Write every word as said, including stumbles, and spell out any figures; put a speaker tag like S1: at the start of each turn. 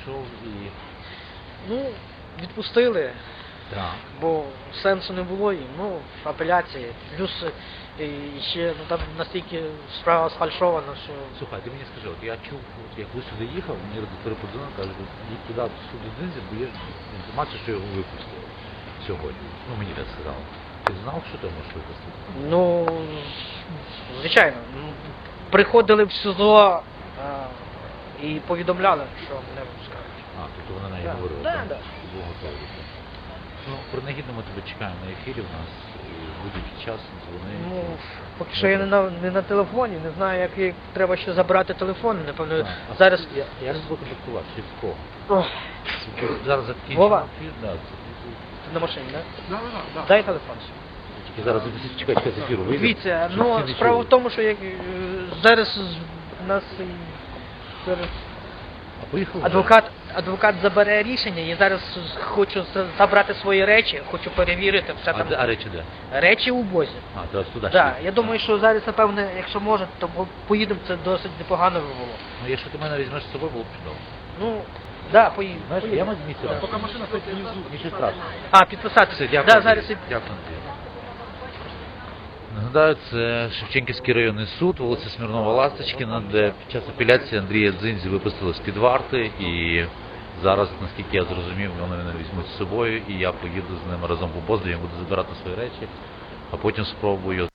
S1: прийшов і...
S2: Ну, відпустили,
S1: Так.
S2: бо сенсу не було їм, ну, апеляції. Плюс е, і ще ну, там настільки справа сфальшована, що...
S1: Слухай, ти мені скажи, от я чув, от як ви сюди їхав, мені редактори подзвонили, кажуть, їдь туди, до суду Дзинзі, бо є інформація, що його випустили сьогодні. Ну, мені так сказали. Ти знав, що ти можеш випустити?
S2: Ну, звичайно, ну, приходили в СІЗО а, і повідомляли, що мене випускають.
S1: А, тобто вона неї
S2: Да,
S1: говорила,
S2: да,
S1: так?
S2: да.
S1: Був готовий. так. Ну, принагідно ми тебе чекаємо на ефірі в нас, і будь-який час дзвони.
S2: Ну, поки що я не на, не на телефоні, не знаю, як, як треба ще забрати телефон, напевно,
S1: Так. А
S2: зараз...
S1: Я, я ж тебе контактував, через кого?
S2: Ох,
S1: Зараз закінчимо
S2: Вова?
S1: ефір, да, це-
S2: ти на машині, так?
S3: Да, да, да.
S2: Дай телефон.
S1: тільки зараз чекай, чекай, з ефіру вийде.
S2: Дивіться,
S1: щоб
S2: ну,
S1: всі не
S2: справа
S1: чули.
S2: в тому, що як, е, зараз з- нас е, зараз
S1: А поїхали?
S2: адвокат, адвокат забере рішення, я зараз хочу за- забрати свої речі, хочу перевірити все
S1: А,
S2: там.
S1: де- а речі де?
S2: Речі у бозі.
S1: А, то туди
S2: Так,
S1: ще.
S2: я думаю, що зараз, напевне, якщо може, то по- поїдемо, це досить непогано би було.
S1: Ну, якщо ти мене візьмеш з собою, було б чудово.
S2: Ну, да, поїдемо.
S1: Знаєш, я
S2: поїдемо.
S1: маю місце.
S3: Поки машина стоїть внизу.
S1: Нічого страшного.
S2: А, підписатися.
S1: Все, дякую.
S2: Да,
S1: Андрій.
S2: зараз і...
S1: Дякую, Андрій. Нагадаю, це Шевченківський районний суд, вулиця Смірнова-Ласточкіна, де під час апеляції Андрія Дзинзі випустили з-під варти, і зараз, наскільки я зрозумів, вони мене візьмуть з собою, і я поїду з ними разом по Боздові, буду забирати свої речі, а потім спробую